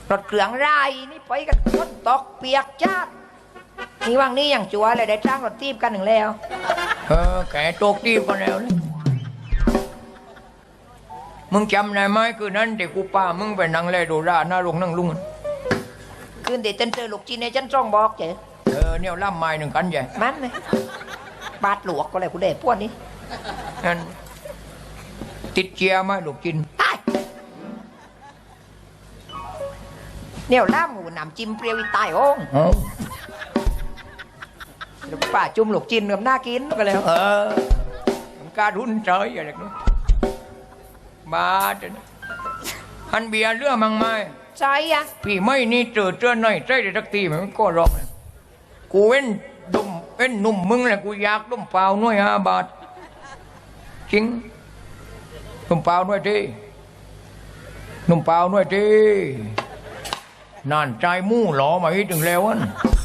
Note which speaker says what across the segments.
Speaker 1: รถเครื่องไรนี่ไปกันฝนตกเปียกจ้าดนี่ว่างนี้อย่างจัวเลยได้จ้างรถตีบกันหนึ่งแล้วแกตกตีบกันแล้วนะมึงจำได้ไหมคือนั้นเด็กกูป้ามึงไปนั่งเล่ดูราหน้าลงนั่งลุงคืนเด็กฉันเจอลูกจีนในฉันจ้องบอกเจ๊เนี่ยล่ำไม้หนึ่งกันใหญ่มันเลยบาดหลวกก็เลยกูเด็กพวกนี้นั่นติดเจียไหมลูกจีนเนี่ยล่ำหูหนำจิ้มเปรี้ยวตายโอ้งเดี๋ยวป้าจุ่มลูกจีนกับหน้ากินก็เลยมันการรุ่นเฉยอะไรนู้นบ้าจังฮันเบียเรื่องมังไม่ใช่อะพี่ไม่นี่เจอหน่อยใช่ได้สักทีมันก็ร้องเลยกูเว้นดุมเว้นหนุ่มมึงแหละกูอยากดุมเปล่าหน่วย5 บาทจริงดุมเปล่าหน่วยทีดุมเปล่าหน่วยทีนั่นใจมู่หล่อมาอีกถึงแล้วอัน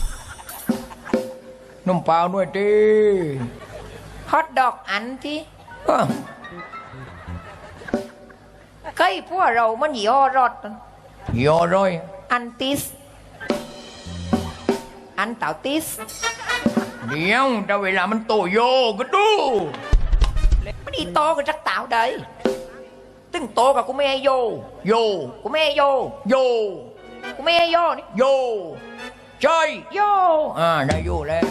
Speaker 1: ดุมเปล่าหน่วยทีฮอตดอกอันที่เคยพวกเรามันย่อรอดย่อร้อยอันติสอันเต่าติสเดี๋ยวแต่เวลามันโตโยก็ดูมันอีโตก็จักเต่าได้ตึงโตกับกูไม่ให้โยกูไม่ให้โยกูไม่ให้โยนี่โยใช่โยได้โยแล้ว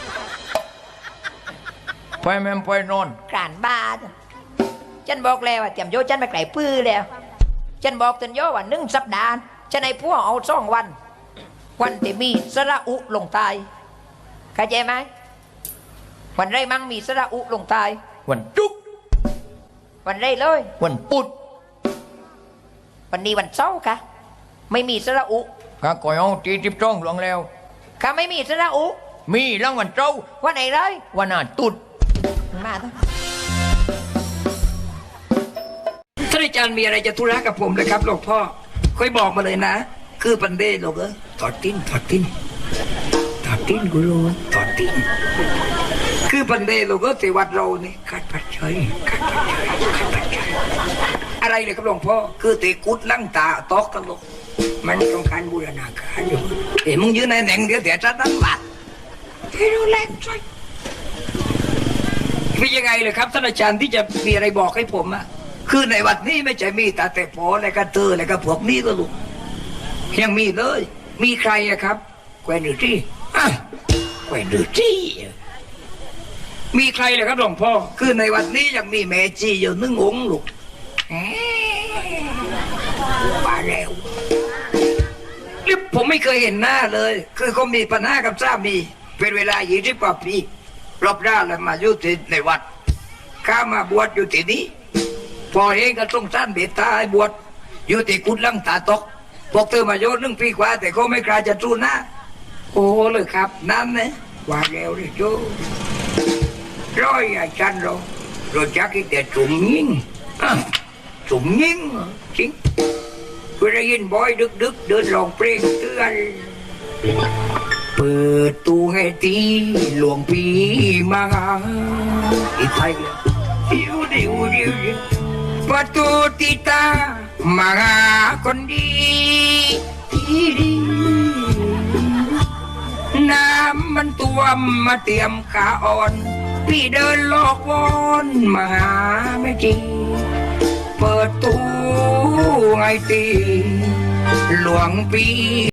Speaker 1: ไปแม่ไปนอนกลานบ้านฉันบอกแล้วว่าเตรียมโยฉันไปไกลปื้อแล้วฉันบอกตันโยว่า1 สัปดาห์ฉันให้พวกเอา2 วันที่มีสระอุลงใต้เข้าใจไหมวันไรมั่งมีสระอุลงใต้วันจุกวันไรเลยวันปุดวันนี้วันเสาร์ค่ะไม่มีสระอุข้าก่อยเอา40 หลวงแล้วข้าไม่มีสระอุมีแล้ววันเสาร์วันไหนเลยวันอาตุดมาท่านอาจารย์มีอะไรจะธุระกับผมเลยครับหลวงพ่อค่อยบอกมาเลยนะคือปันเดหลวงถอดติ้นกูรู้ถอดติ้นคือปันเดหลวงเทวัดเรานี่กัดปัดเฉยอะไรเลยครับหลวงพ่อคือเตกุดลังตาตอกกันหลวงมันต้องการบูรณาการอยู่มึงยืนในแหน่งเดียวแต่จะตั้งวัดที่ดูแลใช่เป็นยังไงเลยครับท่านอาจารย์ที่จะมีอะไรบอกให้ผมอะคือในวัดนี้ไม่ใช่มีแต่พออะไรก็เตออะไรก็พวกนี้ก็ลูกยังมีเลยมีใครอะครับแควนดูที่แควนดูที่มีใครเลยครับหลวงพ่อคือในวัดนี้ยังมีแม่จีอยู่1 องค์ลูกมาแล้วนี่ผมไม่เคยเห็นหน้าเลยคือเขามีปัญหากับสามีเป็นเวลา20 กว่าปีรอบด้านแล้วมาอยู่ที่ในวัดข้ามาบวชอยู่ที่นี้พอเองก็ต้องสั้นเบ็ดตาให้บวชอยู่ที่กุดลังตาตกพวกเธอมาโยน1 ปีกว่าแต่เขาไม่กล้าจะสู้นะโอ้เลยครับนั่นนะว่าแล้วเลยโจ้ร้อยอาจารย์เราจักอีแต่จุ่มยิงจริงกูได้ยินบอยดึกเดินลองเพลงเตือนเปิดตู้ให้ตีหลวงพี่มาอีไทยดิวประตูติตามาคนดีน้ำมันท่วมมาเตรียมขาอ่อนพี่เดินลอกวอนมาหาไม่จริงเปิดตู้ไงตีหลวงพี่